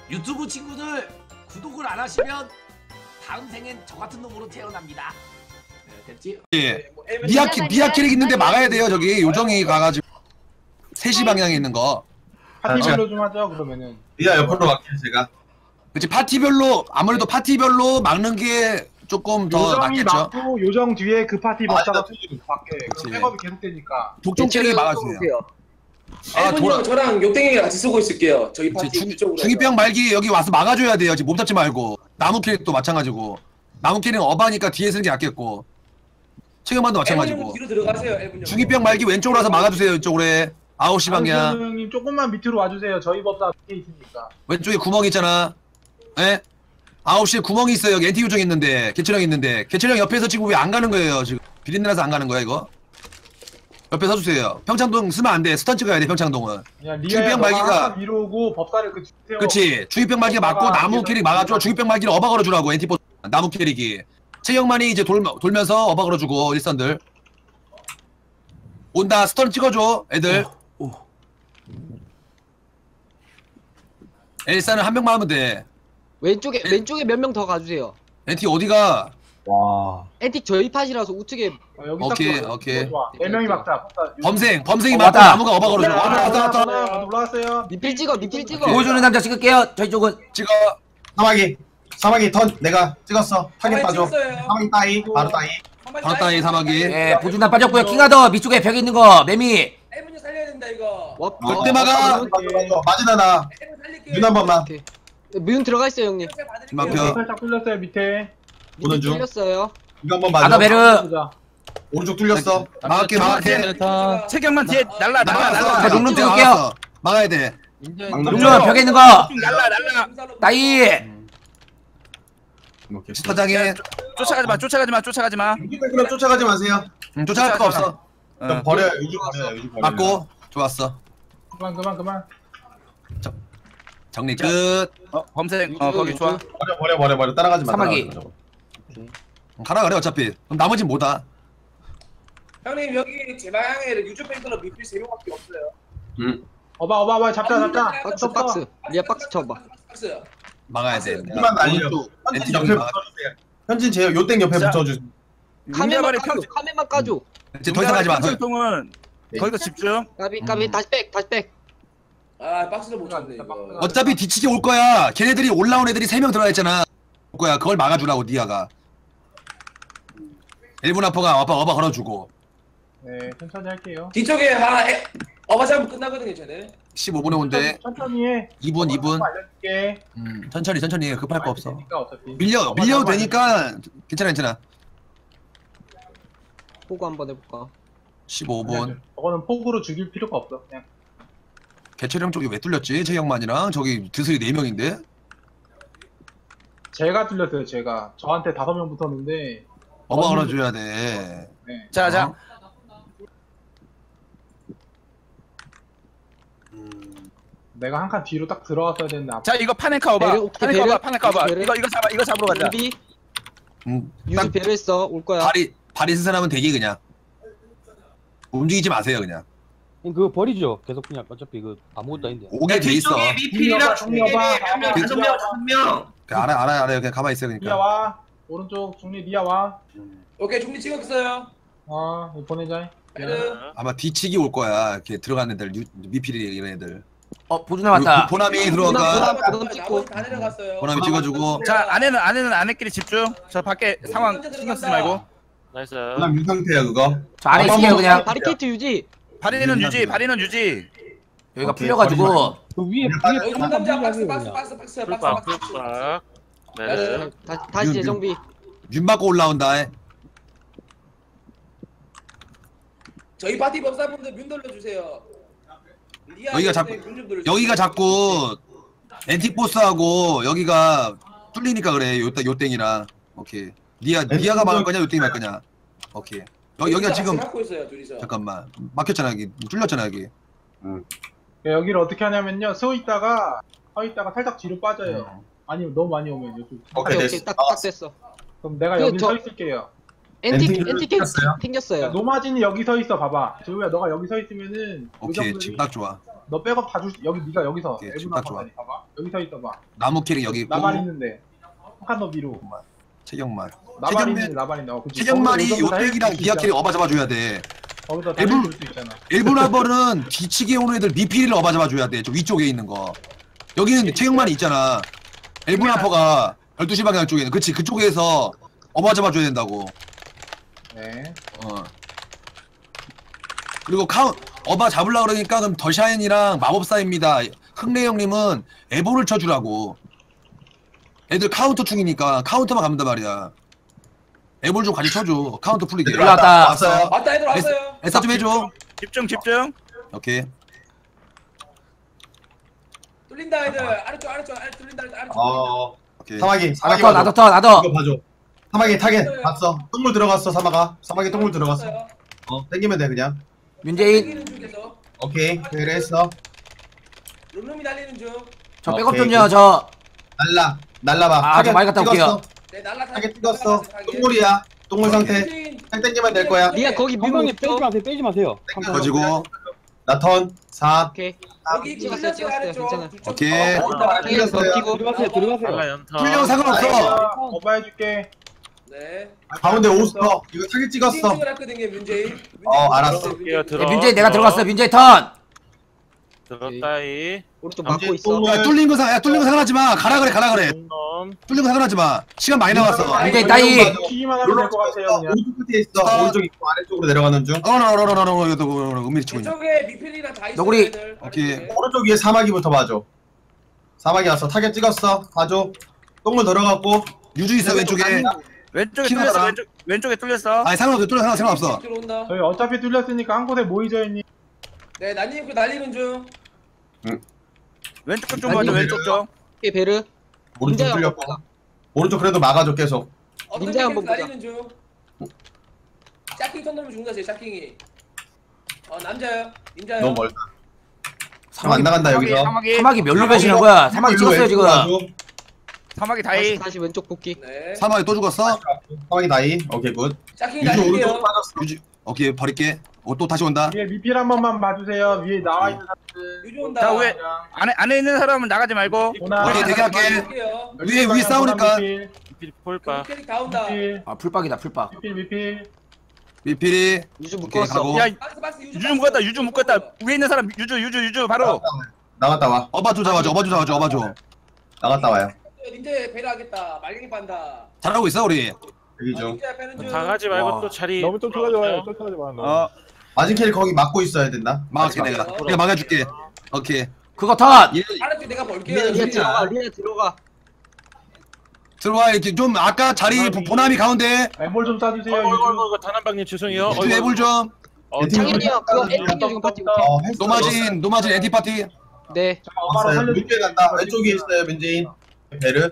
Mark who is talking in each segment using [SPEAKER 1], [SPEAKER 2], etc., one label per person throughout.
[SPEAKER 1] 유튜브 친구들 구독을 안 하시면 다음 생엔 저 같은 놈으로 태어납니다. 네, 됐지?
[SPEAKER 2] 예. 미아 캐릭 있는데 막아야 돼요. 저기 요정이 가가지고 3시 방향에 있는 거.
[SPEAKER 3] 파티별로 좀 하죠 그러면은.
[SPEAKER 4] 미아 옆으로 갈게요 제가.
[SPEAKER 2] 그치, 파티별로 아무래도 파티별로 막는 게 조금 더
[SPEAKER 3] 요정이
[SPEAKER 2] 낫겠죠.
[SPEAKER 3] 막고 요정 뒤에 그 파티 먹다가
[SPEAKER 4] 맞아.
[SPEAKER 3] 밖에
[SPEAKER 2] 그치.
[SPEAKER 3] 그럼 백업이 계속되니까.
[SPEAKER 2] 독종 캐릭이 막아주세요. 아,
[SPEAKER 5] 일본이랑 저랑 욕댕이랑 같이 쓰고 있을게요. 저희 파티 이쪽으로.
[SPEAKER 2] 중이병 말기 여기 와서 막아줘야 돼요. 지금 몸 잡지 말고. 나무 캐릭도 마찬가지고. 나무 캐릭은 어바니까 뒤에 쓰는 게 낫겠고. 체격만도 마찬가지고.
[SPEAKER 5] 뒤로 들어가세요. 일본
[SPEAKER 2] 중이병 말기 왼쪽으로 와서 막아주세요. 이쪽으로 해. 9시 방향.
[SPEAKER 3] 형님 조금만 밑으로 와주세요. 저희 법사 밑에 있으니까.
[SPEAKER 2] 왼쪽에 구멍 있잖아. 예? 9시에 구멍이 있어요. 여기 엔티 요정 있는데. 개체령 있는데. 개체령 옆에서 지금 왜 안 가는 거예요? 지금 비린내나서 안 가는 거야 이거? 옆에 서주세요. 평창동 쓰면 안 돼. 스턴트 가야 돼 평창동은.
[SPEAKER 3] 그냥
[SPEAKER 2] 중이병
[SPEAKER 3] 리아야
[SPEAKER 2] 말기가
[SPEAKER 3] 위로 오고 법사를 그 세워.
[SPEAKER 2] 그치. 중이병 말기가 맞고 나무 캐릭 막아줘. 중이병 말기를 어바 걸어주라고 엔티포 나무 캐릭이. 체형만이 이제 돌면서 어바 걸어주고 일선들. 온다. 스턴 찍어줘 애들. 엘사는 한 명만 하면 돼.
[SPEAKER 6] 왼쪽에 몇 명 더 가주세요.
[SPEAKER 2] 엔티 어디가?
[SPEAKER 4] 와.
[SPEAKER 6] 엔틱 저희 팟이라서 우측에
[SPEAKER 3] 여기
[SPEAKER 2] 오케이,
[SPEAKER 3] 딱
[SPEAKER 2] 오케이.
[SPEAKER 3] 좋아. 4명이 막자. 법사.
[SPEAKER 2] 범생이
[SPEAKER 1] 어,
[SPEAKER 2] 맞고
[SPEAKER 1] 맞다.
[SPEAKER 2] 나무가 어바 걸어줘. 왔다.
[SPEAKER 3] 올라왔어요.
[SPEAKER 6] 니필 찍어.
[SPEAKER 1] 보여주는 남자 찍을게요. 저희 쪽은.
[SPEAKER 2] 찍어.
[SPEAKER 4] 사마귀 턴 내가 찍었어. 타겟 빠져.
[SPEAKER 5] 찍었어요.
[SPEAKER 4] 사마귀 따이 바로 따이.
[SPEAKER 2] 바로 따위 사마귀.
[SPEAKER 1] 예, 보증단 빠졌고요. 킹하더 밑쪽에 벽에 있는 거 매미.
[SPEAKER 5] 일본이 살려야 된다 이거.
[SPEAKER 2] 절대 막아.
[SPEAKER 4] 맞으나 나.
[SPEAKER 5] 일본 살릴게요.
[SPEAKER 4] 눈 한 번만.
[SPEAKER 6] 문 들어가 있어요 형님.
[SPEAKER 2] 막혀.
[SPEAKER 3] 살짝 뚫렸어요 밑에.
[SPEAKER 4] 보는 중.
[SPEAKER 6] 뚫렸어요.
[SPEAKER 4] 이거 한번
[SPEAKER 1] 아더
[SPEAKER 4] 맞아.
[SPEAKER 1] 베르.
[SPEAKER 3] 보자.
[SPEAKER 4] 오른쪽 뚫렸어.
[SPEAKER 2] 막을게.
[SPEAKER 7] 체격만 뒤에 날라.
[SPEAKER 1] 자, 녹름 찍을게요.
[SPEAKER 2] 막아야 돼.
[SPEAKER 1] 녹름 벽에 있는 거.
[SPEAKER 7] 날라.
[SPEAKER 1] 나이.
[SPEAKER 4] 오케이.
[SPEAKER 2] 스타장에
[SPEAKER 7] 쫓아가지 마.
[SPEAKER 4] 그럼 쫓아가지 마세요.
[SPEAKER 2] 쫓아갈 거 없어.
[SPEAKER 4] 좀 버려요. 유주 버려요. 유주 버려요.
[SPEAKER 2] 맞고 좋았어.
[SPEAKER 3] 그만.
[SPEAKER 2] 정리 끝.
[SPEAKER 7] 범생 거기 좋아.
[SPEAKER 4] 버려. 따라가지 마.
[SPEAKER 1] 사마귀.
[SPEAKER 4] 따라가지 마.
[SPEAKER 2] 가라 그래 어차피. 그럼 나머진 뭐다?
[SPEAKER 5] 형님 여기 제 방향에 유저 팬클럽 미필 3명밖에 없어요.
[SPEAKER 3] 어봐 잡자.
[SPEAKER 6] 박스. 리아 박스 쳐봐.
[SPEAKER 5] 박스.
[SPEAKER 2] 막아야 돼.
[SPEAKER 4] 힘만 날려.
[SPEAKER 2] 엔티
[SPEAKER 4] 현진
[SPEAKER 2] 좀
[SPEAKER 4] 옆에
[SPEAKER 2] 막아.
[SPEAKER 4] 붙어주세요. 현진 제 요땡 옆에
[SPEAKER 7] 자.
[SPEAKER 4] 붙어주세요.
[SPEAKER 6] 카메만
[SPEAKER 7] 민가발의
[SPEAKER 6] 까줘. 카메만 까줘.
[SPEAKER 2] 이제 더 이상 가지 마.
[SPEAKER 7] 평통은 거기서 집중.
[SPEAKER 6] 까비 다시 백.
[SPEAKER 5] 아 박스를 못 쳤네 이거.
[SPEAKER 2] 어차피 뒤치기 올 거야. 걔네들이 올라온 애들이 3명 들어가 있잖아. 올 거야. 그걸 막아주라고 니아가. 일본 아빠가 어바 걸어주고.
[SPEAKER 3] 네 천천히 할게요.
[SPEAKER 5] 뒤쪽에 어바잡 끝나거든요 쟤네.
[SPEAKER 2] 15분에 온대.
[SPEAKER 3] 천천히 해.
[SPEAKER 2] 2분.
[SPEAKER 3] 알려줄게.
[SPEAKER 2] 천천히 해. 급할 거 없어.
[SPEAKER 3] 되니까 어차피.
[SPEAKER 2] 밀려도 되니까 괜찮아.
[SPEAKER 6] 보고 한번 해볼까.
[SPEAKER 2] 15분.
[SPEAKER 3] 저거는 폭으로 죽일 필요가 없어. 그냥.
[SPEAKER 2] 개체령 쪽이 왜 뚫렸지? 최영만이랑 저기 드슬이 4명인데?
[SPEAKER 3] 제가 뚫렸어요. 제가 저한테 5명 붙었는데.
[SPEAKER 2] 어바 걸어줘야 돼.
[SPEAKER 3] 네.
[SPEAKER 7] 자.
[SPEAKER 3] 내가 한 칸 뒤로 딱 들어왔어야 되는데.
[SPEAKER 7] 자 이거 파넨카 오바. 파넨카 오바.
[SPEAKER 6] 베르.
[SPEAKER 7] 이거 잡으러 가자.
[SPEAKER 6] 준비.
[SPEAKER 2] 딱
[SPEAKER 6] 유주 배려했어. 올 거야.
[SPEAKER 2] 발이 스산하면 되기 그냥. 움직이지 마세요 그냥.
[SPEAKER 8] 그거 버리죠. 계속 그냥 어차피 그 아무것도 아닌데.
[SPEAKER 2] 오게 돼 있어.
[SPEAKER 5] 미필이랑
[SPEAKER 3] 중립에
[SPEAKER 5] 다섯 명.
[SPEAKER 2] 알아요. 그냥 가만히 있어요
[SPEAKER 3] 리아
[SPEAKER 2] 그러니까.
[SPEAKER 3] 와. 오른쪽 중립 리아 와.
[SPEAKER 5] 오케이 중립 찍었어요.
[SPEAKER 3] 이거 보내자.
[SPEAKER 5] 베르.
[SPEAKER 2] 아마 뒤치기 올 거야. 이렇게 들어간 애들, 미필이 이런 애들.
[SPEAKER 1] 보증단 왔다.
[SPEAKER 2] 보남이 들어가.
[SPEAKER 6] 부담 찍고.
[SPEAKER 5] 다 내려갔어요.
[SPEAKER 2] 보남이 찍어주고.
[SPEAKER 7] 자 안에는 안에끼리 집중. 저 밖에 상황 신경 쓰지 말고.
[SPEAKER 8] 나이스.
[SPEAKER 4] 그냥 유 상태야 그거.
[SPEAKER 1] 저 안에 있을게요 그냥.
[SPEAKER 6] 바리케이트 유지.
[SPEAKER 7] 발이는 유지.
[SPEAKER 1] 여기가
[SPEAKER 4] 오케이,
[SPEAKER 1] 풀려가지고.
[SPEAKER 8] 그 위에
[SPEAKER 5] 여기 남자 박스. 베르.
[SPEAKER 6] 다시 재정비.
[SPEAKER 2] 윤 맞고 올라온다.
[SPEAKER 5] 저희 파티 법사분들 문 돌려주세요.
[SPEAKER 2] 여기가 자꾸 엔틱보스하고 여기가 뚫리니까 그래. 요땡이랑. 오케이. 니아가 막을 거냐 요땡이 막을 거냐. 오케이. 여기가 지금
[SPEAKER 5] 갖고 있어요 둘이서.
[SPEAKER 2] 잠깐만 막혔잖아 여기. 뚫렸잖아 여기.
[SPEAKER 3] 여기를 어떻게 하냐면요. 서 있다가 살짝 뒤로 빠져요. 아니 너무 많이 오면 이쪽.
[SPEAKER 4] 오케이
[SPEAKER 6] 오케이
[SPEAKER 4] 됐어.
[SPEAKER 6] 딱 됐어.
[SPEAKER 3] 그럼 내가
[SPEAKER 6] 그,
[SPEAKER 3] 여기
[SPEAKER 6] 저-
[SPEAKER 3] 서 있을게요.
[SPEAKER 6] 엔틱
[SPEAKER 4] 생겼어요?
[SPEAKER 6] 생겼어요.
[SPEAKER 3] 노마진이 여기 서 있어. 봐봐. 재우야 너가 여기 서 있으면은
[SPEAKER 2] 오케이
[SPEAKER 3] 요정들이
[SPEAKER 2] 지금 딱 좋아.
[SPEAKER 3] 너 백업 다 줄 여기 네가 여기서
[SPEAKER 2] 오케이,
[SPEAKER 3] 일본
[SPEAKER 2] 지금 딱 좋아.
[SPEAKER 3] 아빠다니 봐봐. 여기 서 있어봐.
[SPEAKER 2] 나무 캐릭 여기 있고.
[SPEAKER 3] 나발 있는데. 한칸 더 뒤로.
[SPEAKER 2] 최경만.
[SPEAKER 3] 나발 있는데 나발 있네. 그치.
[SPEAKER 2] 최경만이
[SPEAKER 3] 거기서
[SPEAKER 2] 요백이랑
[SPEAKER 3] 헬스
[SPEAKER 2] 기아
[SPEAKER 3] 있잖아.
[SPEAKER 2] 캐릭 어바 잡아줘야 돼.
[SPEAKER 3] 거기서
[SPEAKER 2] 일본-
[SPEAKER 3] 줄수 있잖아.
[SPEAKER 2] 일본화벌은 뒤치기에 오는 애들 미필을 어바 잡아줘야 돼. 저 위쪽에 있는 거. 여기는 최경만이 있잖아. 일본화퍼가 12시 방향 쪽에는. 그치, 그쪽에서 어바 잡아줘야 된다고.
[SPEAKER 3] 네.
[SPEAKER 2] 어. 그리고 어바 잡으려고 그러니까 그럼 더샤인이랑 마법사입니다. 흥래 형님은 에보를 쳐주라고. 애들 카운터 중이니까 카운터만 가면 단 말이야. 에볼 좀 같이 쳐줘. 카운터 풀리게.
[SPEAKER 4] 올라왔다. 왔어요.
[SPEAKER 5] 왔다 애들 왔어요.
[SPEAKER 2] 에사 좀 해줘.
[SPEAKER 7] 집중.
[SPEAKER 2] 오케이.
[SPEAKER 5] 뚫린다 애들. 아래쪽 뚫린다 아래쪽.
[SPEAKER 2] 오케이.
[SPEAKER 4] 사마귀
[SPEAKER 9] 나도
[SPEAKER 4] 봐줘.
[SPEAKER 9] 나도
[SPEAKER 4] 이거 봐줘. 사마귀 타겟 봤어. 똥물 들어갔어 사마가. 사마귀 똥물 들어갔어. 땡기면 돼 그냥.
[SPEAKER 9] 윤재인
[SPEAKER 5] 달리는 중에서
[SPEAKER 4] 오케이. 그랬어.
[SPEAKER 5] 룸룸이 달리는 중.
[SPEAKER 9] 저 백업
[SPEAKER 4] 오케이,
[SPEAKER 9] 좀요 저
[SPEAKER 4] 날라봐.
[SPEAKER 9] 아, 저 많이 갔다 올게요.
[SPEAKER 5] 네 날라
[SPEAKER 4] 타겟 찍었어. 똥물이야. 똥물 상태. 살 땡기면 될 거야.
[SPEAKER 6] 리아 거기 밀고
[SPEAKER 8] 한방에
[SPEAKER 6] 있어.
[SPEAKER 8] 빼지 마세요.
[SPEAKER 2] 가지고.
[SPEAKER 4] 나 턴 4.
[SPEAKER 6] 오케이.
[SPEAKER 5] 여기
[SPEAKER 6] 찍었어요, 괜찮아.
[SPEAKER 2] 오케이.
[SPEAKER 6] 뒤에 버티고.
[SPEAKER 8] 들어가세요.
[SPEAKER 2] 풀려 상관없어.
[SPEAKER 3] 오빠 해줄게.
[SPEAKER 5] 네.
[SPEAKER 4] 가운데 오스터. 이거 타겟 찍었어.
[SPEAKER 5] 띵ting을 했거든요 문재인.
[SPEAKER 4] 알았어.
[SPEAKER 9] 네, 민재인 내가 들어갔어. 민재인 턴.
[SPEAKER 7] 들었다이.
[SPEAKER 6] 오른쪽 막고 있어.
[SPEAKER 2] 야, 뚫린 거 상관하지 마. 가라 그래. 뚫린 거 상관하지 마. 시간 많이 남았어.
[SPEAKER 9] 민재인 따이.
[SPEAKER 3] 키기만 하면 될 것 같아요. 그냥.
[SPEAKER 4] 오른쪽 끝에 있어. 오른쪽 있고 아래쪽으로 내려가는 중.
[SPEAKER 2] 이거 은밀히 치고 있냐.
[SPEAKER 5] 이쪽에 미필이랑 다 있어.
[SPEAKER 9] 너구리.
[SPEAKER 5] 애들.
[SPEAKER 2] 오케이.
[SPEAKER 5] 아래쪽에.
[SPEAKER 4] 오른쪽 위에 사마귀부터 봐줘. 사마귀 왔어. 타겟 찍었어. 봐줘. 똥물 들어갔고.
[SPEAKER 2] 유주 있어 왼쪽에.
[SPEAKER 7] 왼쪽에
[SPEAKER 2] 키나다.
[SPEAKER 7] 뚫렸어. 왼쪽에 뚫렸어.
[SPEAKER 2] 아니 상관없어. 뚫려 상관없어.
[SPEAKER 5] 들어온다.
[SPEAKER 3] 저희 어차피 뚫렸으니까 한 곳에 모이죠 형님.
[SPEAKER 5] 네 난님 그 날리는 중.
[SPEAKER 7] 왼쪽 좀 봐줘. 왼쪽 좀.
[SPEAKER 6] 오케이 베르.
[SPEAKER 4] 오른쪽
[SPEAKER 6] 민재야,
[SPEAKER 4] 뚫렸고.
[SPEAKER 6] 한번
[SPEAKER 4] 오른쪽 그래도 막아줘 계속.
[SPEAKER 5] 어떤
[SPEAKER 6] 민재 한번
[SPEAKER 5] 캐릭터
[SPEAKER 6] 보자.
[SPEAKER 5] 날리는 중. 짝킹 턴 넘으면 죽는다 제 짝킹이. 남자요. 인자요.
[SPEAKER 4] 너무 멀다. 안 나간다 여기서.
[SPEAKER 9] 사마귀 멸로 배시는 거야. 사마귀 찍었어요 지금.
[SPEAKER 7] 사마귀 다이.
[SPEAKER 6] 다시 왼쪽 복귀.
[SPEAKER 5] 네.
[SPEAKER 2] 사마이 또 죽었어.
[SPEAKER 4] 사마귀 다이. 오케이 굿.
[SPEAKER 5] 짝킹이
[SPEAKER 4] 유주 오른쪽
[SPEAKER 5] 날릴게요.
[SPEAKER 4] 빠졌어.
[SPEAKER 2] 유주. 오케이 버릴게. 또 다시 온다.
[SPEAKER 3] 위에 미필 한 번만 봐주세요. 위에 나와 있는 사람들.
[SPEAKER 5] 유주 온다.
[SPEAKER 7] 자, 왜? 안에 있는 사람은 나가지 말고.
[SPEAKER 3] 오나.
[SPEAKER 2] 오케이, 대기할게.
[SPEAKER 5] 할게요.
[SPEAKER 2] 위에 싸우니까.
[SPEAKER 3] 미필.
[SPEAKER 5] 그 캐릭 다 온다.
[SPEAKER 3] 미필.
[SPEAKER 9] 아 풀박이다 풀박.
[SPEAKER 3] 미필.
[SPEAKER 2] 미필이.
[SPEAKER 6] 유주
[SPEAKER 2] 오케이,
[SPEAKER 6] 묶었어.
[SPEAKER 2] 가고.
[SPEAKER 7] 야,
[SPEAKER 5] 박스
[SPEAKER 7] 유주 묶었다. 유주 묶었다. 위에 있는 사람 유주 바로.
[SPEAKER 4] 나갔다 와.
[SPEAKER 2] 어바 좀 잡아줘. 어바 줘.
[SPEAKER 4] 나갔다 와요.
[SPEAKER 5] 닌제 배려하겠다. 말갱이 판다.
[SPEAKER 2] 잘하고 있어 우리.
[SPEAKER 4] 여기 중.
[SPEAKER 5] 닌제 빼는 중.
[SPEAKER 10] 다 가지 말고
[SPEAKER 2] 와.
[SPEAKER 10] 또 자리
[SPEAKER 8] 너무 쫓겨가지 마요. 쫓겨가지 마.
[SPEAKER 4] 마진 캐리 거기 막고 있어야 된다.
[SPEAKER 2] 막을게 내가 막아줄게. 오케이.
[SPEAKER 9] 그거 턴.
[SPEAKER 5] 알았지 내가 볼게요.
[SPEAKER 6] 리아
[SPEAKER 5] 진짜.
[SPEAKER 6] 들어가. 리아 들어가.
[SPEAKER 2] 들어와 이렇게 좀 아까 자리 보남이 가운데.
[SPEAKER 3] 엠볼 좀 쏴주세요. 유주.
[SPEAKER 10] 이거 단한방님 죄송해요.
[SPEAKER 2] 유주 애볼 좀.
[SPEAKER 6] 창현이야 그거 엔딩 지금 파티.
[SPEAKER 2] 노마진 엔티 파티.
[SPEAKER 6] 네.
[SPEAKER 3] 엄마로
[SPEAKER 4] 왔어요.
[SPEAKER 3] 살려줄게.
[SPEAKER 4] 민재 간다. 왼쪽에 있어요 민재인. 베르.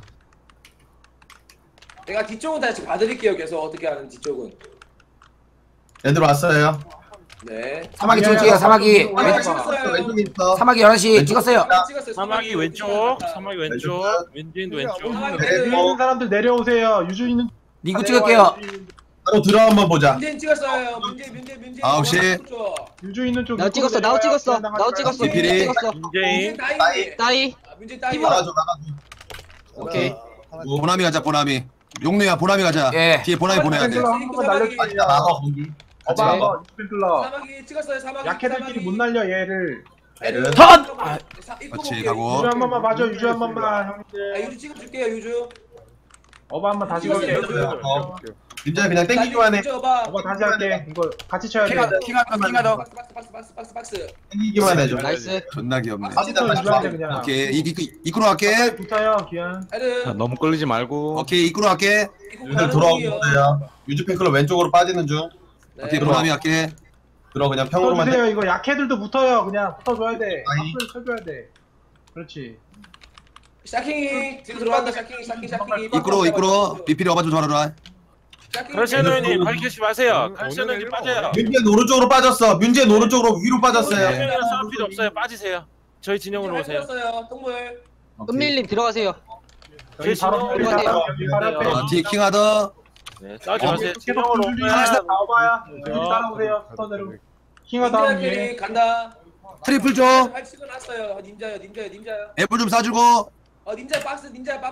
[SPEAKER 5] 내가 뒤쪽은 다시 봐드릴게요. 계속 어떻게 하는 뒤쪽은.
[SPEAKER 4] 얘들 왔어요.
[SPEAKER 5] 네.
[SPEAKER 9] 사마귀 쪽이에요. 사마귀.
[SPEAKER 5] 아, 찍었어요.
[SPEAKER 4] 왼쪽에 있어.
[SPEAKER 9] 사마귀 11시 찍었어요.
[SPEAKER 5] 찍었어요.
[SPEAKER 10] 사마귀 왼쪽, 사마귀 왼쪽, 윈진도 왼쪽.
[SPEAKER 5] 사마귀
[SPEAKER 4] 베르.
[SPEAKER 5] 베르.
[SPEAKER 3] 있는 사람들 내려오세요. 유주 있는.
[SPEAKER 9] 니구 찍을게요.
[SPEAKER 4] 바로 들어 한번 보자.
[SPEAKER 5] 문재인 찍었어요. 문재인.
[SPEAKER 2] 9시.
[SPEAKER 3] 유주 있는 쪽.
[SPEAKER 6] 나 찍었어. 나도 찍었어. 나도 찍었어.
[SPEAKER 2] 미필이.
[SPEAKER 6] 찍었어.
[SPEAKER 10] 민재인,
[SPEAKER 5] 따이.
[SPEAKER 6] 따이.
[SPEAKER 5] 문재인 따이.
[SPEAKER 4] 나가줘.
[SPEAKER 2] 오케이. 보남이 가자 보남이. 용래야 보남이 가자.
[SPEAKER 9] 예.
[SPEAKER 2] 뒤에 보남이 보내야 돼.
[SPEAKER 3] 한번 날려주세요.
[SPEAKER 4] 막아 거기. 같이
[SPEAKER 3] 어바
[SPEAKER 4] 막아.
[SPEAKER 3] 한번 유주필러.
[SPEAKER 5] 사마귀 찍었어요. 사마귀.
[SPEAKER 3] 약해들끼리 못 날려 얘를.
[SPEAKER 4] 베르.
[SPEAKER 9] 턴!
[SPEAKER 2] 그렇지, 가고.
[SPEAKER 3] 유주 한 번만 봐줘. 유주 한 번만
[SPEAKER 5] 아,
[SPEAKER 3] 형님들.
[SPEAKER 5] 유주 찍어줄게요. 유주.
[SPEAKER 3] 어바 한번 다시
[SPEAKER 5] 찍었어요,
[SPEAKER 3] 걸게.
[SPEAKER 5] 유주.
[SPEAKER 4] 민재 그냥 땡기기만 해.
[SPEAKER 3] 어바 다시 할게. 이거 같이 쳐야 돼.
[SPEAKER 2] 킹하더.
[SPEAKER 5] 박스.
[SPEAKER 4] 땡기기만 해줘.
[SPEAKER 6] 나이스.
[SPEAKER 2] 존나 귀엽네.
[SPEAKER 4] 빠지다 다시
[SPEAKER 3] 유주한테
[SPEAKER 4] 와.
[SPEAKER 3] 그냥.
[SPEAKER 2] 오케이 이끌어 갈게.
[SPEAKER 3] 붙어요 기한.
[SPEAKER 5] 헤드.
[SPEAKER 10] 너무 끌리지 말고.
[SPEAKER 2] 오케이 이끌어 갈게.
[SPEAKER 4] 얘들 돌아오고 있어요. 유주 팬클럽 왼쪽으로 빠지는 중.
[SPEAKER 2] 오케이 보남이 갈게.
[SPEAKER 4] 들어 그냥 평으로만
[SPEAKER 3] 붙어주세요. 이거 약해들도 붙어요. 그냥 붙어줘야 돼.
[SPEAKER 4] 아니.
[SPEAKER 3] 앞을 쳐줘야 돼. 그렇지.
[SPEAKER 5] 샤킹이 지금 들어간다. 샤킹이.
[SPEAKER 2] 이끌어 미필이 어바 좀 전화라.
[SPEAKER 10] 칼시아노님 가르치지 마세요. 칼시아노님 빠져요.
[SPEAKER 4] 민재 오른쪽으로 빠졌어. 민재 오른쪽으로 위로 빠졌어요.
[SPEAKER 10] 형이랑 싸울 필요 없어요. 빠지세요. 저희 진영으로 오세요.
[SPEAKER 5] 동물.
[SPEAKER 6] 은밀님 들어가세요.
[SPEAKER 10] 저희 진영으로 오세요.
[SPEAKER 3] 여기 바로 앞에.
[SPEAKER 2] 뒤에 킹하더.
[SPEAKER 10] 네, 싸우지 마세요.
[SPEAKER 3] 계속
[SPEAKER 10] 진영으로
[SPEAKER 3] 줄줄이
[SPEAKER 10] 오세요.
[SPEAKER 3] 나와봐야. 줄줄이 따라오세요. 스턴으로. 킹하 다음 위에.
[SPEAKER 5] 캐릭 간다.
[SPEAKER 2] 트리플 줘.
[SPEAKER 5] 발 찍어놨어요. 닌자요.
[SPEAKER 2] 애플 좀 싸주고.
[SPEAKER 5] 닌자 박스.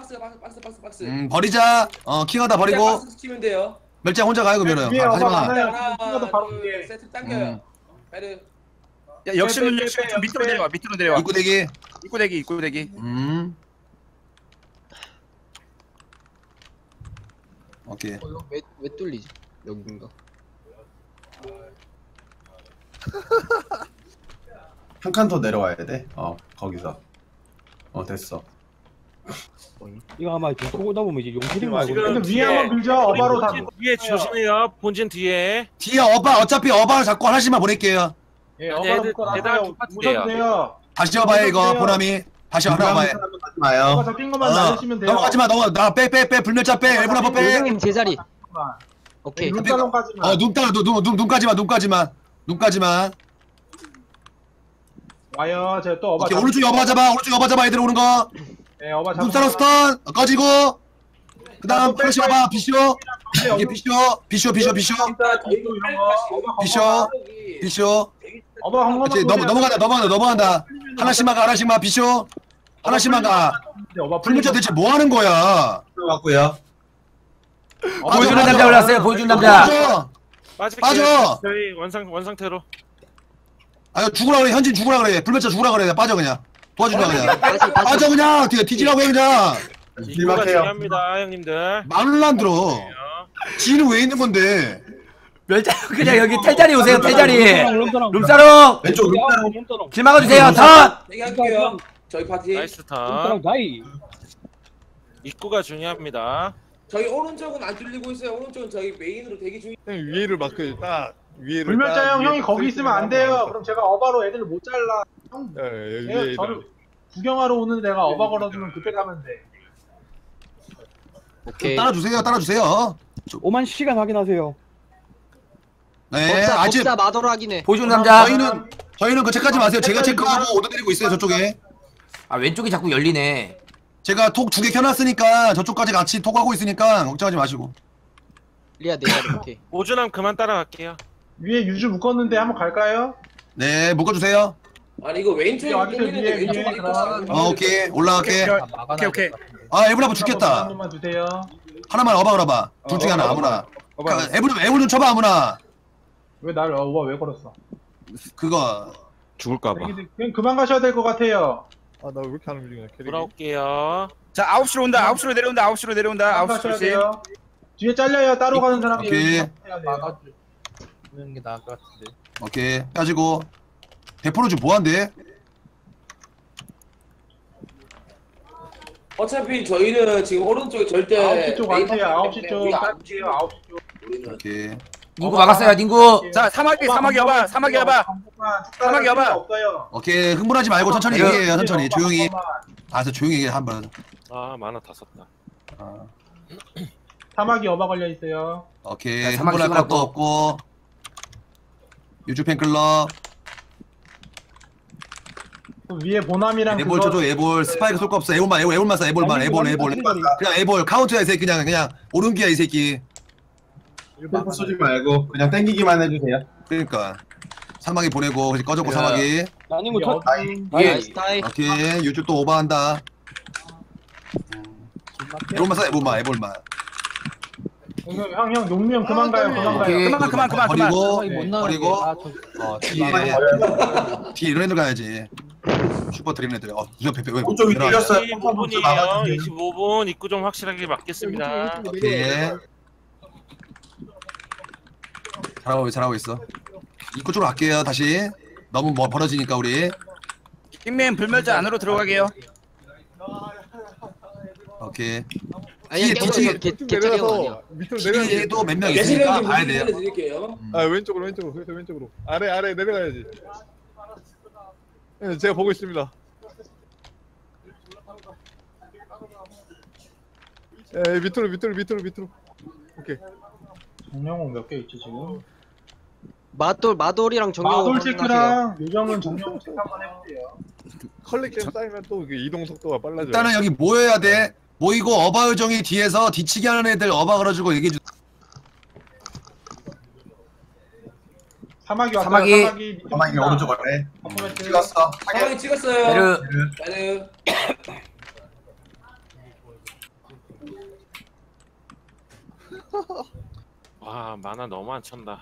[SPEAKER 2] 버리자. 킹하다 버리고.
[SPEAKER 5] 박스 치면 돼요.
[SPEAKER 2] 멸장 혼자 가요 그러면은.
[SPEAKER 3] 위에 어바
[SPEAKER 2] 하지마.
[SPEAKER 3] 많아요.
[SPEAKER 5] 하나,
[SPEAKER 3] 이거도 바로
[SPEAKER 5] 둘,
[SPEAKER 3] 위에.
[SPEAKER 5] 세트 당겨요. 베르.
[SPEAKER 7] 야, 역시는 좀 밑으로 내려와. 밑으로 내려와.
[SPEAKER 2] 입구 대기.
[SPEAKER 7] 입구 대기.
[SPEAKER 2] 오케이.
[SPEAKER 6] 이거 왜 뚫리지? 여긴가?
[SPEAKER 4] 한 칸 더 내려와야 돼. 거기서. 됐어.
[SPEAKER 8] 이거 아마 좀 쏘다 보면 이제 용필인 말고.
[SPEAKER 10] 지금
[SPEAKER 3] 근데 위에 한번 밀자. 어바로 다.
[SPEAKER 10] 뒤에 조심해요. 본진 뒤에.
[SPEAKER 2] 뒤에 어차피 어바를 잡고 하나씩만 보낼게요.
[SPEAKER 3] 예,
[SPEAKER 10] 아니,
[SPEAKER 3] 어바로
[SPEAKER 10] 애들
[SPEAKER 3] 묶어놨어요.
[SPEAKER 10] 대단한 파티예요.
[SPEAKER 3] 무셔도 돼요.
[SPEAKER 2] 다시 어봐요 이거 보람이. 다시 하나 어봐요.
[SPEAKER 4] 하지 마요.
[SPEAKER 3] 어바 잡힌 것만 날리시면 돼요.
[SPEAKER 2] 넘어가지마 빼 불멸자 빼 일분 한번 빼.
[SPEAKER 6] 요정님 제자리. 오케이.
[SPEAKER 3] 눈가롱까지만.
[SPEAKER 2] 눈까지만.
[SPEAKER 3] 와요. 제가 또 어바.
[SPEAKER 2] 오케이 오른쪽에 어바 잡아 애들 오는 거.
[SPEAKER 3] 네, 어바 잡.
[SPEAKER 2] 눈사로 스턴 꺼지고. 그다음 플래시 어바 비쇼. 이게 비쇼.
[SPEAKER 3] 어바 한
[SPEAKER 2] 그렇지
[SPEAKER 3] 번만.
[SPEAKER 2] 넘어간다. 하나씩만 비쇼. 하나씩만 가.
[SPEAKER 3] 어바
[SPEAKER 2] 불멸자 대체 뭐 하는 거야?
[SPEAKER 4] 들어갔고요.
[SPEAKER 9] 보여주는 남자 올랐어요. 보여주는 남자.
[SPEAKER 2] 빠져.
[SPEAKER 10] 저희 원상태로.
[SPEAKER 2] 아 죽으라 그래 현진 죽으라 그래 불멸자 죽으라 그래 빠져 그냥 도와주라 그냥
[SPEAKER 6] 다시.
[SPEAKER 2] 빠져 그냥 뒤지라고 해 그냥
[SPEAKER 10] 입구가
[SPEAKER 4] 길막해요.
[SPEAKER 10] 중요합니다, 형님들.
[SPEAKER 2] 말을 안 들어 지는 왜 있는 건데
[SPEAKER 9] 멸자 그냥 여기 텔자리 오세요. 텔자리.
[SPEAKER 8] 롬사랑.
[SPEAKER 9] 룸사롱.
[SPEAKER 4] 왼쪽 룸사롱.
[SPEAKER 8] 롬사랑.
[SPEAKER 9] 길 막아주세요. 턴.
[SPEAKER 5] 얘기할게요. 저희 파티.
[SPEAKER 10] 나이스 턴.
[SPEAKER 8] 롬사랑 나이.
[SPEAKER 10] 입구가 중요합니다.
[SPEAKER 5] 저희 오른쪽은 안 뚫리고 있어요. 오른쪽은 저희 메인으로 대기 중.
[SPEAKER 11] 위에를 마크 딱 위에를.
[SPEAKER 3] 불멸자
[SPEAKER 11] 딱
[SPEAKER 3] 형 형이
[SPEAKER 11] 위에
[SPEAKER 3] 거기 있으면 안 돼요. 그럼 제가 어바로 애들을 못 잘라. 형
[SPEAKER 11] 여기
[SPEAKER 3] 예,
[SPEAKER 11] 위에.
[SPEAKER 3] 저를 구경하러 오는 내가 어바 걸어주면 그때 가면 돼.
[SPEAKER 6] 오케이.
[SPEAKER 2] 따라주세요
[SPEAKER 8] 5만 시간 확인하세요.
[SPEAKER 2] 네 아직
[SPEAKER 6] 법사 마더로 하기네.
[SPEAKER 9] 보여주는 남자.
[SPEAKER 2] 저희는 그 체크하지 마세요 제가 체크하고 오더 드리고 있어요 저쪽에
[SPEAKER 9] 아 왼쪽이 자꾸 열리네.
[SPEAKER 2] 제가 톡 2개 켜놨으니까 저쪽까지 같이 톡하고 있으니까 걱정하지 마시고
[SPEAKER 6] 리아 내 자리. 오케이.
[SPEAKER 10] 오준함 그만 따라갈게요.
[SPEAKER 3] 위에 유주 묶었는데 한번 갈까요?
[SPEAKER 2] 네 묶어주세요
[SPEAKER 5] 아니 이거 왼쪽이
[SPEAKER 3] 여기
[SPEAKER 5] 뚫리는데
[SPEAKER 3] 위에,
[SPEAKER 5] 왼쪽이
[SPEAKER 3] 위에
[SPEAKER 5] 있고.
[SPEAKER 2] 오케이 올라갈게
[SPEAKER 7] 오케이.
[SPEAKER 2] 아 에브라브
[SPEAKER 3] 한
[SPEAKER 2] 죽겠다
[SPEAKER 3] 번만 주세요.
[SPEAKER 2] 하나만 어바 걸어봐 둘 중에 하나 아무나 에브 좀 쳐봐 아무나
[SPEAKER 3] 왜 나를 어바 왜 걸었어?
[SPEAKER 2] 그거
[SPEAKER 11] 죽을까봐.
[SPEAKER 3] 그냥 그만 가셔야 될 것 같아요.
[SPEAKER 11] 나 왜 이렇게 안 움직이냐 캐릭이.
[SPEAKER 10] 돌아올게요.
[SPEAKER 7] 자 9시로 온다. 9시로 내려온다. 9시로 내려온다.
[SPEAKER 3] 그만
[SPEAKER 7] 9시
[SPEAKER 3] 가셔야
[SPEAKER 7] 조심.
[SPEAKER 3] 돼요. 뒤에 잘려요. 따로 가는 사람.
[SPEAKER 2] 오케이.
[SPEAKER 8] 주는 게 나을 것 같은데.
[SPEAKER 2] 오케이 빠지고 대포로 좀 뭐한대?
[SPEAKER 5] 어차피 저희는 지금 오른쪽에 절대
[SPEAKER 3] 9시 쪽
[SPEAKER 5] 메인
[SPEAKER 3] 가세요.
[SPEAKER 5] 파티
[SPEAKER 3] 9시
[SPEAKER 5] 때문에
[SPEAKER 3] 쪽
[SPEAKER 5] 우리 안
[SPEAKER 3] 갈게요. 9시 쪽.
[SPEAKER 5] 우리는
[SPEAKER 2] 오케이
[SPEAKER 9] 닝구 막았어요. 닝구.
[SPEAKER 7] 자 사마귀 여봐. 사마귀 여봐.
[SPEAKER 3] 없어요.
[SPEAKER 2] 오케이 흥분하지 말고 천천히
[SPEAKER 9] 그래.
[SPEAKER 2] 얘기해요 천천히 조용히 알아서 조용히 얘기해 한번
[SPEAKER 10] 아 만화 다 썼다.
[SPEAKER 3] 사마귀 어바 걸려 있어요.
[SPEAKER 2] 오케이
[SPEAKER 9] 자, 사마귀
[SPEAKER 2] 흥분할 것도
[SPEAKER 9] 찍어놨고.
[SPEAKER 2] 없고 유주 팬클럽
[SPEAKER 3] 그 위에 보남이랑
[SPEAKER 2] 애볼 줘줘 애볼 스파이크 쏠 거 없어 애볼만 써 애볼만 애볼 그냥 애볼 카운트야 이 새끼 그냥 오른기야 이 새끼
[SPEAKER 4] 템포 쏘지 말고 그냥 땡기기만 해주세요.
[SPEAKER 2] 그러니까 사마귀 보내고 그래서 꺼졌고
[SPEAKER 4] 야.
[SPEAKER 2] 사마귀
[SPEAKER 8] 나님 거 첫.
[SPEAKER 9] 예.
[SPEAKER 6] 나이스 타이.
[SPEAKER 2] 오케이 유주 또 오버한다 애볼만
[SPEAKER 3] 형 용미 형 그만 가요. 그만
[SPEAKER 9] 오케이.
[SPEAKER 3] 가요.
[SPEAKER 7] 그만.
[SPEAKER 2] 버리고 뒤에 이런 애들 가야지 슈퍼 드리는 애들 누가 페페 왜
[SPEAKER 4] 오른쪽이
[SPEAKER 2] 내려와?
[SPEAKER 4] 뚫렸어요.
[SPEAKER 10] 25분이에요. 25분 입구 좀 확실하게 막겠습니다.
[SPEAKER 2] 오케이 잘하고 있어 입구 쪽으로 갈게요 다시 너무 뭐 벌어지니까 우리
[SPEAKER 7] 킹맨 불멸자 안으로 들어가게요.
[SPEAKER 2] 오케이
[SPEAKER 6] 아니야
[SPEAKER 2] 뒤치기-
[SPEAKER 6] 개짜리 형 아니야.
[SPEAKER 11] 밑으로 내려야지.
[SPEAKER 2] 뒤에도 몇 명
[SPEAKER 5] 예시를
[SPEAKER 2] 있으니까
[SPEAKER 5] 좀
[SPEAKER 2] 봐야 돼요
[SPEAKER 5] 드릴게요.
[SPEAKER 11] 왼쪽으로. 그래서 왼쪽으로. 아래 내려가야지. 네, 제가 보고 있습니다. 밑으로. 오케이.
[SPEAKER 3] 정영호 몇 개 있지 지금?
[SPEAKER 6] 마돌이랑 정영
[SPEAKER 3] 마돌
[SPEAKER 6] 확인하세요.
[SPEAKER 3] 체크랑 요정은 정영호 체크 한번 해볼게요.
[SPEAKER 11] 컬렉션 쌓이면 또 이게 이동 속도가 빨라져요.
[SPEAKER 2] 일단은 여기 모여야 돼 모이고 어바 요정이 뒤에서 뒤치기 하는 애들 어바 걸어주고 얘기해주
[SPEAKER 3] 사막이 왔어요.
[SPEAKER 9] 사막이.
[SPEAKER 3] 사막이
[SPEAKER 4] 사막이 오른쪽 아래.
[SPEAKER 3] 퍼포먼스.
[SPEAKER 4] 찍었어.
[SPEAKER 5] 사망이 찍었어요.
[SPEAKER 9] 베르.
[SPEAKER 5] 베르.
[SPEAKER 10] 와 만화 너무 안 찬다.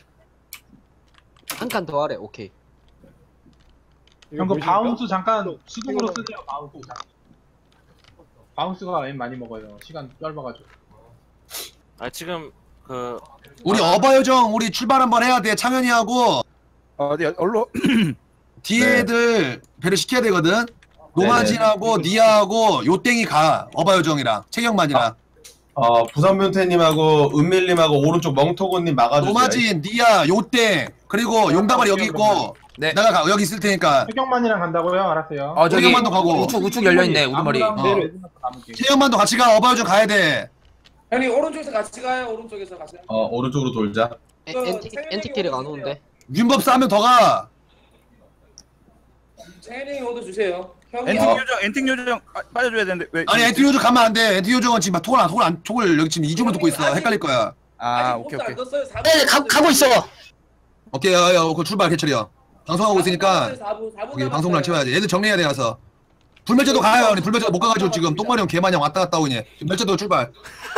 [SPEAKER 6] 한 칸 더 하래. 오케이.
[SPEAKER 3] 형, 그 바운스 잠깐 수동으로 쓰세요. 바운스 잠깐. 바운스가 웬 많이 먹어요. 시간 짧아가지고.
[SPEAKER 10] 아 지금 그
[SPEAKER 2] 우리 어바요정 우리 출발 한번 해야 돼. 창현이하고
[SPEAKER 7] 어디 얼로
[SPEAKER 2] 뒤에 애들 배를 시켜야 되거든. 노마진하고 니아하고 요땡이 가. 어바요정이랑 채경만이랑.
[SPEAKER 4] 부산 변태님하고 은밀님하고 오른쪽 멍토고님 막아주세요.
[SPEAKER 2] 노마진, 니아, 요땡 그리고 용다발이 여기 있고
[SPEAKER 9] 네.
[SPEAKER 2] 내가 여기 있을 테니까
[SPEAKER 3] 태경만이랑 간다고요? 알았어요.
[SPEAKER 9] 저기
[SPEAKER 2] 채경만도 가고.
[SPEAKER 9] 우측 열려있네 우두머리.
[SPEAKER 2] 채경만도 같이 가. 어바요정 가야 돼.
[SPEAKER 5] 형님 오른쪽에서 같이 가요. 오른쪽에서 가세요.
[SPEAKER 4] 오른쪽으로 돌자.
[SPEAKER 6] 엔티키를 안 오는데.
[SPEAKER 2] 윤법 싸면 더 가.
[SPEAKER 5] 채닝이 오더 주세요. 형이
[SPEAKER 7] 엔팅 요정 빠져줘야 되는데 왜?
[SPEAKER 2] 아니 엔티 요정 가면 안 돼. 엔티 요정은 지금 톡을 여기 지금 이중으로 듣고 있어. 헷갈릴 거야.
[SPEAKER 7] 아
[SPEAKER 5] 아직
[SPEAKER 7] 오케이
[SPEAKER 5] 포스 안
[SPEAKER 7] 오케이.
[SPEAKER 5] 떴어요.
[SPEAKER 6] 네, 가고 있어.
[SPEAKER 2] 오케이, 그 출발 개철이요. 방송하고 있으니까
[SPEAKER 5] 4분
[SPEAKER 2] 우리 방송을 채워야지. 얘들 정리해야 돼 가서. 불멸자도 가요. 우리 불멸자도 못 가가지고 지금 똥마리 형 개마냥 왔다 갔다 오니. 불멸자도 출발.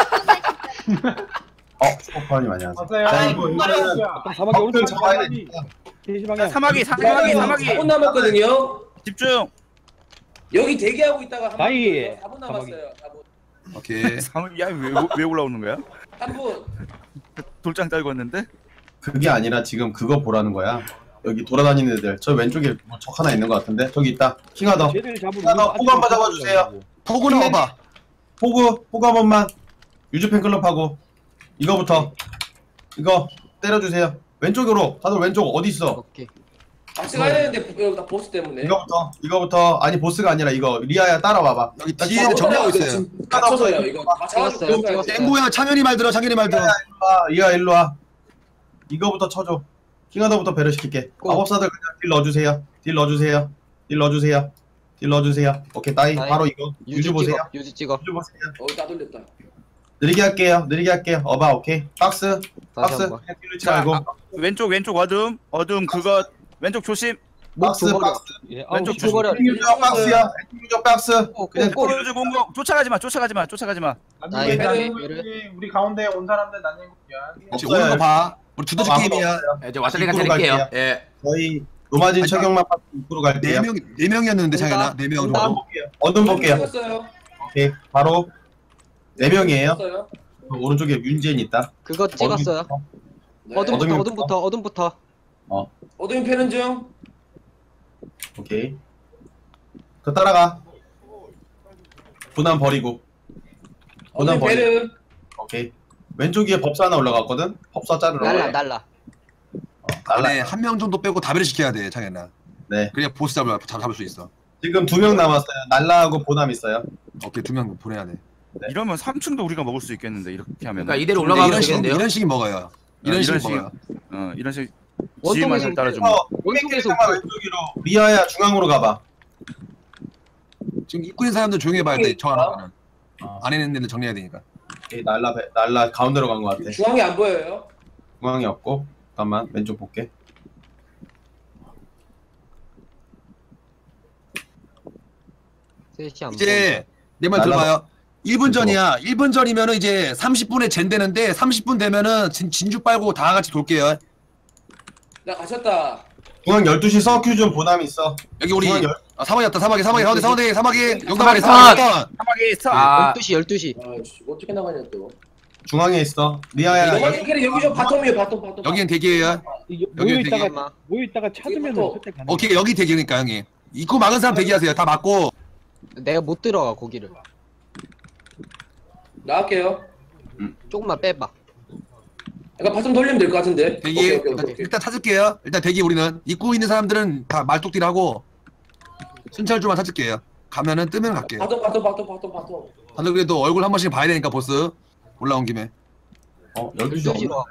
[SPEAKER 4] 슈퍼파님 안녕하세요.
[SPEAKER 3] 왔어요.
[SPEAKER 4] 자, 이거
[SPEAKER 8] 아까 사막이 오른쪽
[SPEAKER 4] 잡아야 되니까.
[SPEAKER 8] 사막이
[SPEAKER 7] 사막이
[SPEAKER 5] 4분 남았거든요.
[SPEAKER 7] 집중.
[SPEAKER 5] 여기 대기하고 있다가 한
[SPEAKER 8] 나이.
[SPEAKER 5] 4분 남았어요. 4분.
[SPEAKER 2] 오케이.
[SPEAKER 7] 야왜 올라오는 거야?
[SPEAKER 5] 3분.
[SPEAKER 7] 돌장 떨궜는데?
[SPEAKER 4] 그게 아니라 지금 그거 보라는 거야. 여기 돌아다니는 애들. 저 왼쪽에 뭐 적 하나 있는 것 같은데. 저기 있다. 킹하더.
[SPEAKER 8] 쟤들 잡으면
[SPEAKER 4] 하나 호구 한번 잡아주세요.
[SPEAKER 2] 포구 나와봐.
[SPEAKER 4] 호구 한 번만. 유즈팬클럽하고 이거부터. 이거 때려주세요. 왼쪽으로. 다들 왼쪽 어디 있어?
[SPEAKER 6] 오케이.
[SPEAKER 5] 같이 가야 되는데 여기 다 보스 때문에.
[SPEAKER 4] 이거부터. 아니 보스가 아니라 이거 리아야 따라와봐.
[SPEAKER 2] 여기 뒤에 애들 정리하고 있어요.
[SPEAKER 5] 갇혀서요. 이거 다
[SPEAKER 6] 찍었어요.
[SPEAKER 5] 잡아주고
[SPEAKER 2] 땡보야 창현이 말 들어. 창현이 말 들어.
[SPEAKER 4] 리아 일로 와. 이거부터 쳐줘. 킹하더부터 배려 시킬게. 마법사들 그냥 딜 넣어주세요. 딜 넣어주세요. 딜 넣어주세요. 딜 넣어주세요. 오케이 따이.
[SPEAKER 6] 따이.
[SPEAKER 4] 바로 이거. 유즈 보세요.
[SPEAKER 6] 유지 찍어.
[SPEAKER 4] 유즈 보세요.
[SPEAKER 5] 다 돌렸다.
[SPEAKER 4] 느리게 할게요. 느리게 할게요. 어바 오케이. 박스.
[SPEAKER 6] 다시
[SPEAKER 4] 박스.
[SPEAKER 6] 한번.
[SPEAKER 4] 그냥 딜르지 말고.
[SPEAKER 7] 왼쪽 어둠 그거 왼쪽 조심.
[SPEAKER 4] 박스
[SPEAKER 6] 목
[SPEAKER 4] 박스.
[SPEAKER 8] 예,
[SPEAKER 7] 왼쪽
[SPEAKER 8] 조심.
[SPEAKER 6] 줘버려.
[SPEAKER 4] 유저 박스야. 유저 박스. 그냥
[SPEAKER 7] 꼬르즈 공격 쫓아가지 마.
[SPEAKER 6] 나이,
[SPEAKER 3] 난님
[SPEAKER 6] 베르.
[SPEAKER 3] 우리 가운데 온 사람들 난님
[SPEAKER 2] 혹시 오는 거 봐. 우리 두더지 게임이야.
[SPEAKER 9] 이제 와사리가
[SPEAKER 4] 입구로
[SPEAKER 9] 드릴게요.
[SPEAKER 4] 갈게요.
[SPEAKER 9] 예.
[SPEAKER 4] 저희 노마진 최경만 파트 입구로 갈게요.
[SPEAKER 2] 네 명이었는데 창현아. 4명 정도.
[SPEAKER 4] 어둠 볼게요.
[SPEAKER 5] 찍었어요.
[SPEAKER 4] 오케이. 바로 4명이에요.
[SPEAKER 5] 찍었어요.
[SPEAKER 4] 오른쪽에 윤재인 있다.
[SPEAKER 6] 그거 찍었어요.
[SPEAKER 5] 네.
[SPEAKER 6] 어둠부터.
[SPEAKER 5] 어둠이 패는 중.
[SPEAKER 4] 오케이. 그 따라가. 분한 버리고. 분한
[SPEAKER 5] 어둠이
[SPEAKER 4] 버리고.
[SPEAKER 5] 패는.
[SPEAKER 4] 오케이. 왼쪽 위에 법사 하나 올라갔거든. 법사 자르러.
[SPEAKER 6] 날라.
[SPEAKER 2] 안에 한 명 정도 빼고 다배를 시켜야 돼 창현아.
[SPEAKER 4] 네.
[SPEAKER 2] 그래야 보스 잡을 수 있어.
[SPEAKER 4] 지금 2명 남았어요. 날라하고 보남 있어요.
[SPEAKER 2] 오케이 2명 보내야 돼.
[SPEAKER 7] 이러면 3층도 우리가 먹을 수 있겠는데 이렇게 하면.
[SPEAKER 9] 그러니까 이대로 올라가면 되겠는데요.
[SPEAKER 2] 이런 식이 먹어요. 이런 식이 먹어요.
[SPEAKER 7] 이런 식
[SPEAKER 6] 원통에서
[SPEAKER 7] 지휘만 잘 따라주면.
[SPEAKER 6] 원통에서
[SPEAKER 4] 왼쪽으로. 리아야 중앙으로 가봐.
[SPEAKER 2] 지금 입구 있는 사람들 조용히 해봐야 돼. 저 하나는. 안에 있는 애들 정리해야 되니까.
[SPEAKER 4] 오케이, 날라 가운데로 간 것 같아.
[SPEAKER 5] 중앙이 안 보여요.
[SPEAKER 4] 중앙이 없고. 잠깐만 왼쪽 볼게.
[SPEAKER 6] 셋이 안
[SPEAKER 2] 이제 내 말 들어봐요. 1분 전이야. 1분 전이면은 이제 30분에 젠 되는데 30분 되면은 진주 빨고 다 같이 돌게요.
[SPEAKER 5] 나 가셨다.
[SPEAKER 4] 중앙 12시 서큐준 보남 있어.
[SPEAKER 2] 여기 우리
[SPEAKER 4] 중앙
[SPEAKER 2] 사막이 왔다. 사막이 가운데 사막이 영담아리
[SPEAKER 9] 사막.
[SPEAKER 2] 사막이
[SPEAKER 7] 스탑.
[SPEAKER 9] 아
[SPEAKER 6] 12시.
[SPEAKER 5] 어떻게 나가냐 또.
[SPEAKER 4] 중앙에 있어. 리아야.
[SPEAKER 5] 너만 캐리 여기 좀 바텀이에요. 바텀.
[SPEAKER 2] 여기는 대기예요.
[SPEAKER 8] 모여있다가 찾으면
[SPEAKER 5] 또.
[SPEAKER 8] 그때 가는
[SPEAKER 2] 오케이 여기 대기니까 형이. 입구 막은 사람 대기하세요. 다 막고.
[SPEAKER 6] 내가 못 들어가 거기를.
[SPEAKER 5] 나갈게요.
[SPEAKER 6] 조금만 빼봐.
[SPEAKER 5] 약간 바텀 돌리면 될 것 같은데.
[SPEAKER 2] 대기
[SPEAKER 5] 오케이.
[SPEAKER 2] 일단 찾을게요. 일단 대기 우리는 입구 있는 사람들은 다 말뚝딜하고 순찰주만 찾을게요. 가면은 뜨면 갈게요.
[SPEAKER 5] 바텀.
[SPEAKER 2] 다들 그래도 얼굴 한 번씩 봐야 되니까 보스 올라온 김에.
[SPEAKER 4] 12시
[SPEAKER 6] 12시로.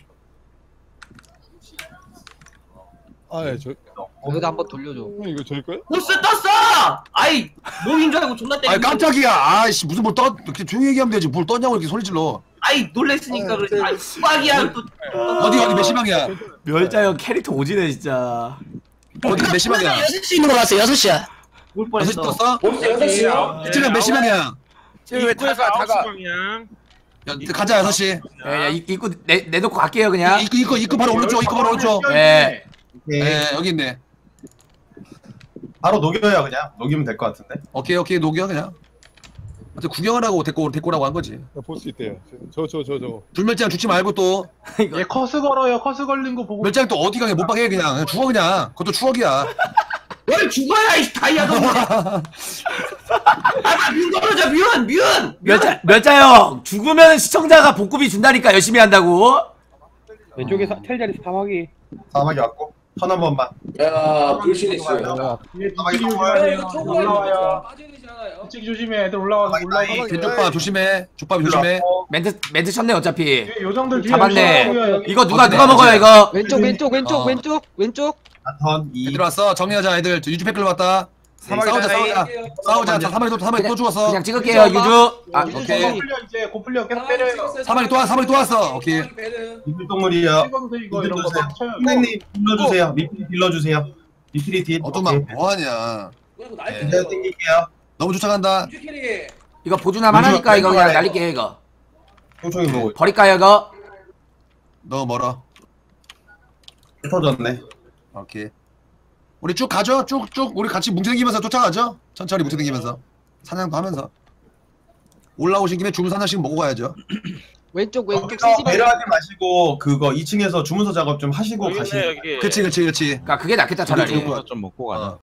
[SPEAKER 11] 아예 저
[SPEAKER 6] 여기다 한번 돌려줘.
[SPEAKER 11] 이거 저일 거야?
[SPEAKER 9] 보스 떴어. 아이 몸인 줄 알고 존나
[SPEAKER 2] 아 깜짝이야. 아이씨 무슨 뭘 떠? 이렇게 조용히 얘기하면 되지. 뭘 떴냐고 이렇게 소리 질러.
[SPEAKER 9] 아이 놀랬으니까 그러지. 아이 수박이야 또.
[SPEAKER 2] 어디 몇 시방이야?
[SPEAKER 1] 멸자형 캐릭터 오지네 진짜.
[SPEAKER 2] 어디 몇 시방이야?
[SPEAKER 12] 6시 있는 거 봤어 6시야.
[SPEAKER 9] 올
[SPEAKER 2] 6시
[SPEAKER 9] 뻔했어.
[SPEAKER 2] 떴어?
[SPEAKER 5] 벌써 6시요?
[SPEAKER 2] 개체령 몇 시방이야?
[SPEAKER 7] 왜
[SPEAKER 10] 입구에서
[SPEAKER 7] 다가
[SPEAKER 10] 9시 방향.
[SPEAKER 2] 가자 6시.
[SPEAKER 1] 예, 입구 내놓고 갈게요 그냥.
[SPEAKER 2] 입구 바로 오른쪽. 입구 바로 오른쪽.
[SPEAKER 1] 예.
[SPEAKER 4] 오케이.
[SPEAKER 2] 예, 여기 있네.
[SPEAKER 4] 바로 녹여요 그냥. 녹이면 될 것 같은데.
[SPEAKER 2] 오케이 녹여 그냥. 하여튼 구경을 하고 데꼬라고 한 거지.
[SPEAKER 11] 볼 수 있대요. 저거.
[SPEAKER 2] 불멸장 죽지 말고 또
[SPEAKER 3] 얘 커스 걸어요. 커스 걸린 거 보고.
[SPEAKER 2] 멸장 또 어디 가게 못 박해 그냥 죽어 그냥. 그것도 추억이야.
[SPEAKER 9] 뭘 죽어야 이 다이아도. 아뮤 떨어져 뮤.
[SPEAKER 1] 멸자형 죽으면 시청자가 복급이 준다니까 열심히 한다고.
[SPEAKER 8] 왼쪽에 텔자리 사막이.
[SPEAKER 4] 사막이 왔고 턴 한 번만.
[SPEAKER 5] 야 불신 있어요.
[SPEAKER 3] 얘
[SPEAKER 4] 사막이
[SPEAKER 3] 뒤치기
[SPEAKER 4] 와야
[SPEAKER 3] 조심해야
[SPEAKER 5] 이거
[SPEAKER 3] 돼요.
[SPEAKER 5] 초보에
[SPEAKER 3] 올라와요.
[SPEAKER 5] 빠져야 되지 않아요?
[SPEAKER 3] 뒤치기 조심해. 애들 올라와서 올라오고.
[SPEAKER 2] 왼쪽밥 조심해. 족밥 조심해.
[SPEAKER 1] 멘트 쳤네 어차피.
[SPEAKER 3] 요정들 뒤에
[SPEAKER 1] 잡았네.
[SPEAKER 3] 올라오고요, 여기.
[SPEAKER 1] 이거 누가
[SPEAKER 2] 어디네?
[SPEAKER 1] 먹어요 이거?
[SPEAKER 6] 왼쪽.
[SPEAKER 4] 턴 2.
[SPEAKER 2] 애들 왔어. 정리하자 애들. 유주 패클 왔다.
[SPEAKER 7] 사막이
[SPEAKER 2] 싸우자
[SPEAKER 7] 다이.
[SPEAKER 2] 싸우자. 자, 사마리 또 죽었어.
[SPEAKER 1] 그냥 찍을게요 유주. 아
[SPEAKER 2] 오케이.
[SPEAKER 3] 고 풀려 이제 고 풀려 계속 때려요.
[SPEAKER 2] 사마리 또 왔어. 오케이.
[SPEAKER 4] 이불동물이요.
[SPEAKER 3] 찍어도 돼 이거 이런 거 막 쳐요.
[SPEAKER 4] 선생님 빌려주세요. 리필 빌려주세요. 리필이 딜.
[SPEAKER 2] 어둠아 뭐하냐.
[SPEAKER 4] 내가 땡길게요.
[SPEAKER 2] 너무 쫓아간다.
[SPEAKER 1] 이거 보조남 하나니까 이거 그냥 날릴게요 이거.
[SPEAKER 4] 총총이 보고
[SPEAKER 1] 버릴까요 이거?
[SPEAKER 2] 너무 멀어.
[SPEAKER 4] 터졌네.
[SPEAKER 2] 오케이. 우리 쭉 가죠. 쭉 우리 같이 뭉쳐다니면서 쫓아가죠. 천천히 뭉쳐다니면서 사냥도 하면서 올라오신 김에 주문 하나씩 먹고 가야죠.
[SPEAKER 6] 왼쪽
[SPEAKER 4] 거기서 배려하지 마시고 그거 2층에서 주문서 작업 좀 하시고
[SPEAKER 10] 여기 있네
[SPEAKER 4] 가시면.
[SPEAKER 10] 여기.
[SPEAKER 2] 그치.
[SPEAKER 1] 그러니까 그게 낫겠다 차라리.
[SPEAKER 2] 그거
[SPEAKER 8] 좀 먹고 가자.